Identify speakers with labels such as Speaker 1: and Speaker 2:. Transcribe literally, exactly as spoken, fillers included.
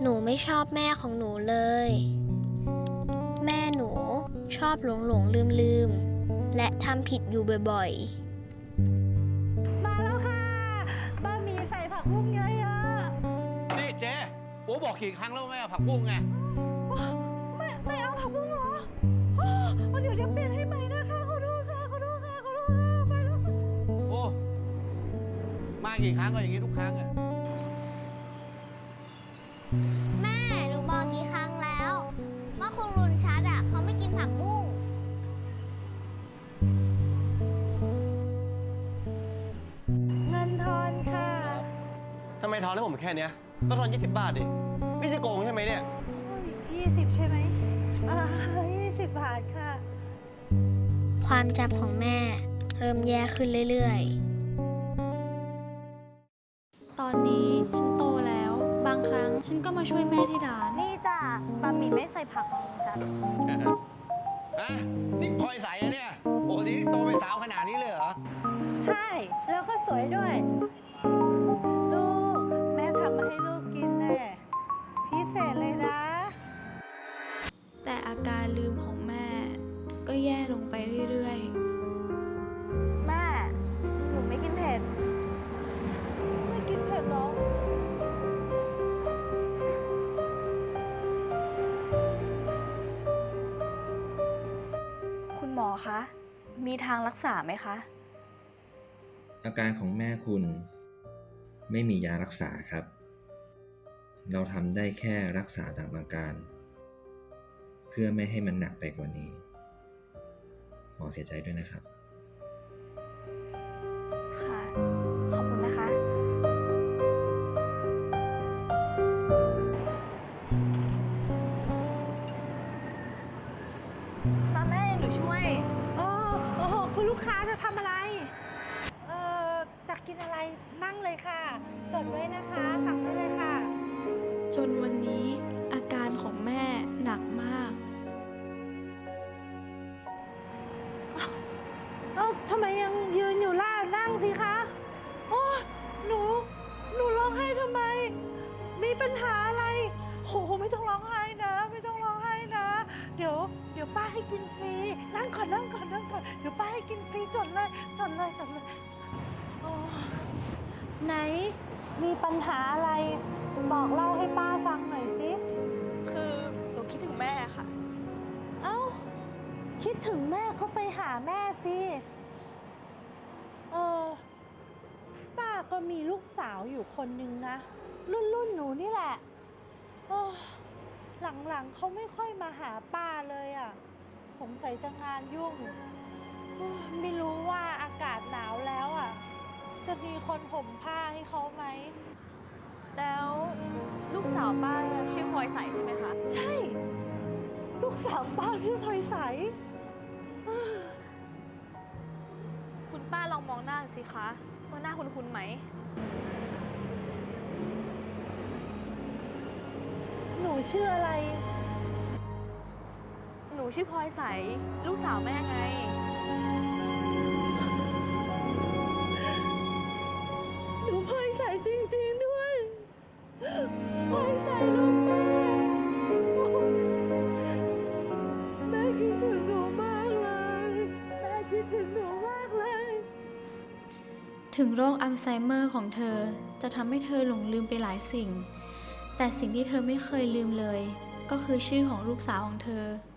Speaker 1: หนูไม่ชอบแม่ของหนูเลย แม่หนูชอบหลงหลงลืมลืมและทำผิดอยู่บ่อย
Speaker 2: มาแล้วค่ะบะหมี่ใส่ผักบุ้งเยอะ
Speaker 3: นี่เจ๊โอ้บอกกี่ครั้งแล้วไม่เอาผักบุ้งไง
Speaker 2: ๆไม่ไม่เอาผักบุ้งเหรออ๋อเดี๋ยวเดี๋ยวเปลี่ยนให้ใหม่นะคะขอโทษค่ะขอโทษค่ะขอโทษค่ะไปแล้วค่ะ
Speaker 3: โอ้มากี่ครั้งก็อย่างนี้ทุกครั้งอะ
Speaker 1: ๆ แม่หนูบอกกี่ครั้งแล้วว่าคงรุนชัดอ่ะเขาไม่กินผักบุ้ง
Speaker 2: เงินทอนค่ะ
Speaker 4: ทำไมทอนให้ผมแค่เนี้ยต้องทอนยี่สิบบาทดินี่จะโกงใช่ไหมเนี่ย
Speaker 2: ยี่สิบใช่ไหมอ่ายี่สิบบาทค่ะ
Speaker 1: ความจำของแม่เริ่มแย่ขึ้นเรื่อย
Speaker 5: ตอนนี้ฉันโตแล้วบางครั้งฉันก็มาช่วยแม่ที่ร้าน
Speaker 6: นี่จ้ะบะหมี่ไม่ใส่ผักของฉัน
Speaker 3: ฮะนี่พลอยใสอะเนี่ยโอ้นี่โตเป็นสาวขนาดนี้เลยเหรอ
Speaker 2: ใช่แล้วก็สวยด้วยลูกแม่ทำมาให้ลูกกินแน่พิเศษเลยนะ
Speaker 5: แต่อาการลืมของแม่ก็แย่ลงไปเรื่อย
Speaker 6: แม่หนูไม่กินเผ็ด
Speaker 2: ไม่กินเผ็ดหรอ
Speaker 6: คุณหมอคะมีทางรักษาไหมคะ
Speaker 7: อาการของแม่คุณไม่มียารักษาครับ เราทำได้แค่รักษาตามอาการ เพื่อไม่ให้มันหนักไปกว่านี้หมอเสียใจด้วยนะครับ
Speaker 6: ค่ะขอบคุณนะคะมาแม่หนูช่วย
Speaker 2: โอ้โอ้โหคุณลูกค้าจะทำอะไรเอ่อจะกินอะไรนั่งเลยค่ะจดไว้นะคะสั่งได้เลยค่ะ
Speaker 5: ๆจนวันนี้อาการของแม่หนักมาก
Speaker 2: เอ้าทำไมยังยืนอยู่ล่ะนั่งสิคะโอ้หนูหนูร้องไห้ทำไมมีปัญหาอะไรโหไม่ต้องร้องไห้นะไม่ต้องร้องไห้นะเดี๋ยวเดี๋ยวป้าให้กินฟรีนั่งก่อนนั่งก่อนนั่งก่อนเดี๋ยวป้าให้กินฟรีจดเลยจดเลยจดเลยโอ้ไหนมีปัญหาอะไรบอกเล่าให้ป้าฟังหน่อยสิ
Speaker 6: คือหนูคิดถึงแม่ค่ะ
Speaker 2: เอ้าคิดถึงแม่ก็ไปหาแม่สิเออป้าก็มีลูกสาวอยู่คนนึงนะรุ่นรุ่นหนูนี่แหละโอ้หลังๆเขาไม่ค่อยมาหาป้าเลยอ่ะสงสัยจะงานยุ่งโอ้ไม่รู้ว่าอากาศหนาวแล้วอ่ะจะมีคนห่มผ้าให้เขาไหม
Speaker 6: แล้วลูกสาวป้าชื่อพลอยใสใช่ไหมคะ
Speaker 2: ใช่ ลูกสาวป้าชื่อพลอยใส
Speaker 6: คุณป้าลองมองหน้าสิคะว่าหน้าคุ้นๆไหม
Speaker 2: หนูชื่ออะไร
Speaker 6: หนูชื่อพลอยใสลูกสาวแม่ไง
Speaker 2: หนูพลอยใสจริงๆด้วยพลอยใสลูกแม่แม่คิดถึงหนูมากเลยแม่คิดถึงหนูมากเลย
Speaker 5: ถึงโรคอัลไซเมอร์ของเธอจะทำให้เธอหลงลืมไปหลายสิ่งแต่สิ่งที่เธอไม่เคยลืมเลยก็คือชื่อของลูกสาวของเธอ